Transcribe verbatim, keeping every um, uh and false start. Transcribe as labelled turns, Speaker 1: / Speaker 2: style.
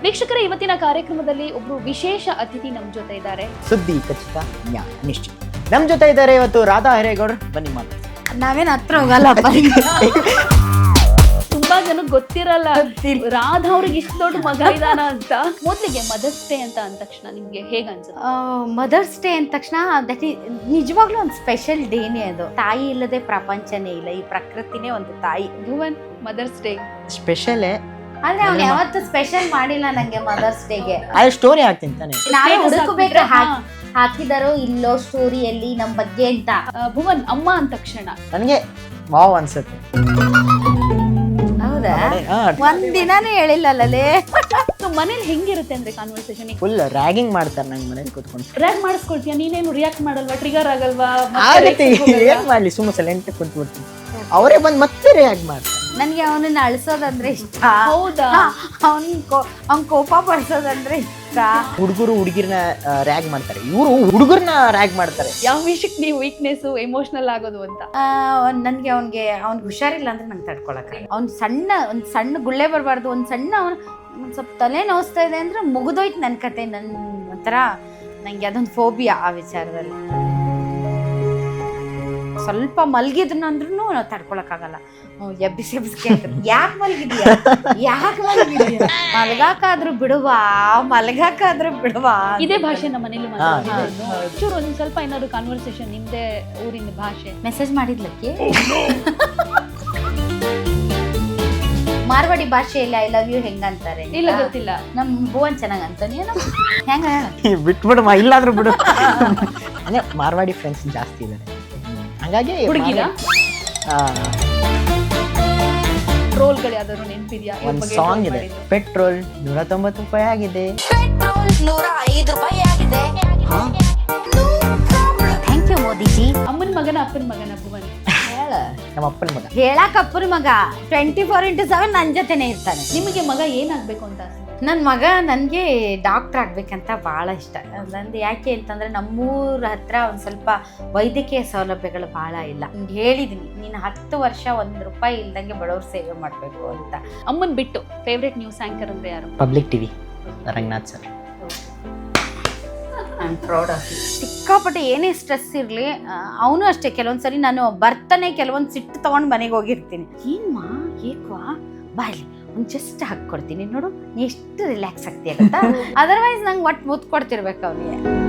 Speaker 1: ವೀಕ್ಷಕರ, ಇವತ್ತಿನ ಕಾರ್ಯಕ್ರಮದಲ್ಲಿ ಒಬ್ರು ವಿಶೇಷ ಅತಿಥಿ ನಮ್ಮ ಜೊತೆ ಇದ್ದಾರೆ.
Speaker 2: ಸುದ್ದಿ ಖಚಿತ, ನ್ಯಾಯ ನಿಶ್ಚಿತ. ನಮ್ಮ ಜೊತೆ ಇದ್ದಾರೆ ಇವತ್ತು ರಾಧಾ ಹಿರೇಗೌಡರು. ಬನ್ನಿ ಮಾತು.
Speaker 3: ನಾವೇನ್ ಹತ್ರ ಹೋಗಲ್ಲಪ್ಪ.
Speaker 1: ತುಂಬಾ ಜನಕ್ಕೆ ಗೊತ್ತಿರಲ್ಲ ರಾಧಾ ಅವ್ರಿಗೆ ಇಷ್ಟು ದೊಡ್ಡ ಮಗ ಇದಾನ ಅಂತ. ಮೊದ್ಲಿಗೆ ಮದರ್ಸ್ ಡೇ ಅಂತ ಅಂದ ತಕ್ಷಣ ನಿಮ್ಗೆ ಹೇಗ ಅನ್ಸುತ್ತೆ?
Speaker 3: ಮದರ್ಸ್ ಡೇ ಅಂದ ತಕ್ಷಣ ದಟ್ ನಿಜವಾಗ್ಲೂ ಒಂದು ಸ್ಪೆಷಲ್ ಡೇನೇ ಅದು. ತಾಯಿ ಇಲ್ಲದೆ ಪ್ರಪಂಚನೇ ಇಲ್ಲ, ಈ ಪ್ರಕೃತಿನೇ ಒಂದು ತಾಯಿ.
Speaker 1: ಭುವನ್, ಮದರ್ಸ್ ಡೇ
Speaker 2: ಸ್ಪೆಷಲ್
Speaker 3: ಆದ್ರೆ ಅವ್ನು ಯಾವತ್ತು ಸ್ಪೆಷಲ್ ಮಾಡಿಲ್ಲ ನಂಗೆ ಮದರ್ಸ್ ಡೇಗೆ.
Speaker 2: ಅದೇ ಸ್ಟೋರಿ ಹಾಕ್ತೀನಿ ತಾನೆ,
Speaker 3: ನಾವೇ ಹುಡುಕಬೇಕು ಹಾಕಿದಾರೋ ಇಲ್ಲೋ ಸ್ಟೋರಿಯಲ್ಲಿ ನಮ್ ಬಗ್ಗೆ ಅಂತ.
Speaker 1: ಭುವನ್, ಅಮ್ಮ ಅಂದ ತಕ್ಷಣ
Speaker 2: ನನಗೆ ವಾವ್ ಅನ್ಸುತ್ತೆ.
Speaker 3: ಹೌದಾ? ಒಂದ್ ದಿನಾನು ಹೇಳಿಲ್ಲಲ್ಲೇ.
Speaker 1: ಮನೇಲಿ ಹೆಂಗಿರುತ್ತೆ ಅಂದ್ರೆ ಕಾನ್ವರ್ಸೇಷನ್
Speaker 2: ಫುಲ್ ರ್ಯಾಗಿಂಗ್ ಮಾಡ್ತಾರೆ ನಂಗೆ ಮನೇಲಿ ಕೂತ್ಕೊಂಡು.
Speaker 1: ರ್ಯಾಗ್ ಮಾಡಿಸ್ಕೊಳ್ತೀಯ ನೀನೇನು? ರಿಯಾಕ್ಟ್ ಮಾಡಲ್ವಾ? ಟ್ರಿಗರ್ ಆಗಲ್ವಾ?
Speaker 2: ಆಗತ್ತೆ, ಏನ್ ಮಾಡ್ಲಿ, ಸುಮ್ಮನೆ ಸೈಲೆಂಟ್ ಕುಂತ್ಬಿಡ್ತೀನಿ. ಅವರೇ ಬಂದು ಮತ್ತೆ ರಿಯಾಕ್ಟ್ ಮಾಡ್ತಾರೆ.
Speaker 3: ನನ್ಗೆ ಅವನನ್ನ ಅಳಿಸೋದಂದ್ರೆ ಇಷ್ಟ.
Speaker 1: ಹೌದಾ?
Speaker 3: ಅವನ್ ಅವ್ನ್ ಕೋಪ ಪಡಿಸೋದಂದ್ರೆ ಇಷ್ಟ.
Speaker 2: ಹುಡುಗರು ಹುಡುಗಿರ್ನ ರ್ಯಾಗ್ ಮಾಡ್ತಾರೆ, ಇವರು ಹುಡುಗರ್ನ ರ್ಯಾಗ್ ಮಾಡ್ತಾರೆ.
Speaker 1: ಯಾವ ವಿಷಯಕ್ಕೆ ನೀವು ವೀಕ್ನೆಸ್, ಎಮೋಷನಲ್ ಆಗೋದು ಅಂತ?
Speaker 3: ನನ್ಗೆ ಅವ್ನಿಗೆ ಅವ್ನಿಗೆ ಹುಷಾರಿಲ್ಲ ಅಂದ್ರೆ ನಂಗೆ ತಡ್ಕೊಳಕ್ಕೆ. ಅವ್ನ್ ಸಣ್ಣ ಒಂದ್ ಸಣ್ಣ ಗುಳ್ಳೆ ಬರಬಾರ್ದು, ಒಂದ್ ಸಣ್ಣ ಅವ್ನು ಒಂದ್ ಸ್ವಲ್ಪ ತಲೆ ನೋಸ್ತಾ ಇದೆ ಅಂದ್ರೆ ಮುಗಿದೋಯ್ತು ನನ್ನ ಕತೆ. ನನ್ ಒಂಥರ ನಂಗೆ ಅದೊಂದು ಫೋಬಿಯಾ ಆ ವಿಚಾರದಲ್ಲಿ. ಸ್ವಲ್ಪ ಮಲ್ಗಿದ್ನು ಅಂದ್ರೂ ನಾವು ತಡ್ಕೊಳಕ್ಕಾಗಲ್ಲ. ಎಬ್ಬಿಸಿ ಎಬ್ಬಿಸಿ ಯಾಕೆ ಮಲ್ಗಿದ್ಯಾ, ಯಾಕೆ ಮಲ್ಗಿದ್ಯಾ, ಮಲ್ಗಾಕಾದ್ರೂ ಬಿಡುವಾ, ಮಲ್ಗಾಕಾದ್ರೂ ಬಿಡುವಾ.
Speaker 1: ಇದೇ ಭಾಷೆ ನಮ್ಮ ಮನೇಲಿ ಚೂರು ಒಂದ್ ಸ್ವಲ್ಪ ಏನಾದ್ರು ಕಾನ್ವರ್ಸೇಷನ್ ನಿಮ್ದೇ ಊರಿನ ಭಾಷೆ.
Speaker 3: ಮೆಸೇಜ್ ಮಾಡಿದ್ಲಕ್ಕೆ ಮಾರ್ವಾಡಿ ಭಾಷೆಯಲ್ಲಿ ಐ ಲವ್ ಯು ಹೆಂಗಂತಾರೆ?
Speaker 1: ಇಲ್ಲ, ಗೊತ್ತಿಲ್ಲ.
Speaker 3: ನಮ್ ಭುವನ್ ಚೆನ್ನಾಗ್ ಅಂತಾನೆ ಹೆಂಗ
Speaker 2: ಬಿಟ್ಬಿಡು, ಇಲ್ಲಾದ್ರೂ ಬಿಡು. ಅಂದ್ರೆ ಮಾರ್ವಾಡಿ ಫ್ರೆಂಡ್ಸ್ ಜಾಸ್ತಿ ಇದ್ದಾರೆ, ಹಂಗಾಗಿ
Speaker 1: ಹುಡುಗಿರ ಟ್ರೋಲ್ಗಳು ಯಾವ್ದಾದ್ರು ನೆನಪಿದ್ಯಾ?
Speaker 2: ಒಂದು ಸಾಂಗ್ ಇದೆ, ಪೆಟ್ರೋಲ್ ನೂರ ತೊಂಬತ್ತು ರೂಪಾಯಿ ಆಗಿದೆ.
Speaker 3: Thank you Modiji.
Speaker 1: ಅಮ್ಮನ ಮಗನ ಅಪ್ಪನ ಮಗನ ಭುವನ್?
Speaker 2: ನಮ್ಮ ಅಪ್ಪನ ಮಗ.
Speaker 3: ಹೇಳಕ್ ಅಪ್ಪನ ಮಗ ಟ್ವೆಂಟಿ ಫೋರ್ ಇಂಟು ಸೆವೆನ್ ನನ್ ಜೊತೆನೆ ಇರ್ತಾನೆ.
Speaker 1: ನಿಮಗೆ ಮಗ ಏನಾಗ್ಬೇಕು ಅಂತ ಆಸೆ?
Speaker 3: ನನ್ನ ಮಗ ನನಗೆ ಡಾಕ್ಟರ್ ಆಗ್ಬೇಕಂತ ಭಾಳ ಇಷ್ಟ. ನಂದು ಯಾಕೆ ಅಂತಂದರೆ ನಮ್ಮೂರ ಹತ್ರ ಒಂದು ಸ್ವಲ್ಪ ವೈದ್ಯಕೀಯ ಸೌಲಭ್ಯಗಳು ಭಾಳ ಇಲ್ಲ. ಹೇಳಿದ್ದೀನಿ, ನೀನು ಹತ್ತು ವರ್ಷ ಒಂದು ರೂಪಾಯಿ ಇಲ್ದಂಗೆ ಬಡವ್ರ ಸೇವೆ ಮಾಡಬೇಕು ಅಂತ.
Speaker 1: ಅಮ್ಮನ್ ಬಿಟ್ಟು ಫೇವ್ರೆಟ್ ನ್ಯೂಸ್ ಆಂಕರ್ ಅಂದ್ರೆ ಯಾರು?
Speaker 2: Public TV Ranganath sir.
Speaker 3: I proud of you. ಸಿಕ್ಕಾಪಟ್ಟೆ ಏನೇ ಸ್ಟ್ರೆಸ್ ಇರಲಿ, ಅವನು ಅಷ್ಟೇ. ಕೆಲವೊಂದ್ಸರಿ ನಾನು ಬರ್ತಾನೆ ಕೆಲವೊಂದು ಸಿಟ್ಟು ತೊಗೊಂಡು ಮನೆಗೆ ಹೋಗಿರ್ತೀನಿ. ಏನ್ಮಾ ಏಕ್ವಾ ಬಾಯ್ಲಿ ಒಂದು ಜಸ್ಟ್ ಹಾಕ್ಕೊಡ್ತೀನಿ ನೋಡು, ನೀ ಎಷ್ಟು ರಿಲ್ಯಾಕ್ಸ್ ಆಗ್ತೀಯ ಗೊತ್ತಾ. ಅದರ್ವೈಸ್ ನಂಗೆ ಒಟ್ಟು ಮುತ್ತು ಕೊಡ್ತಿರ್ಬೇಕು ಅವನಿಗೆ.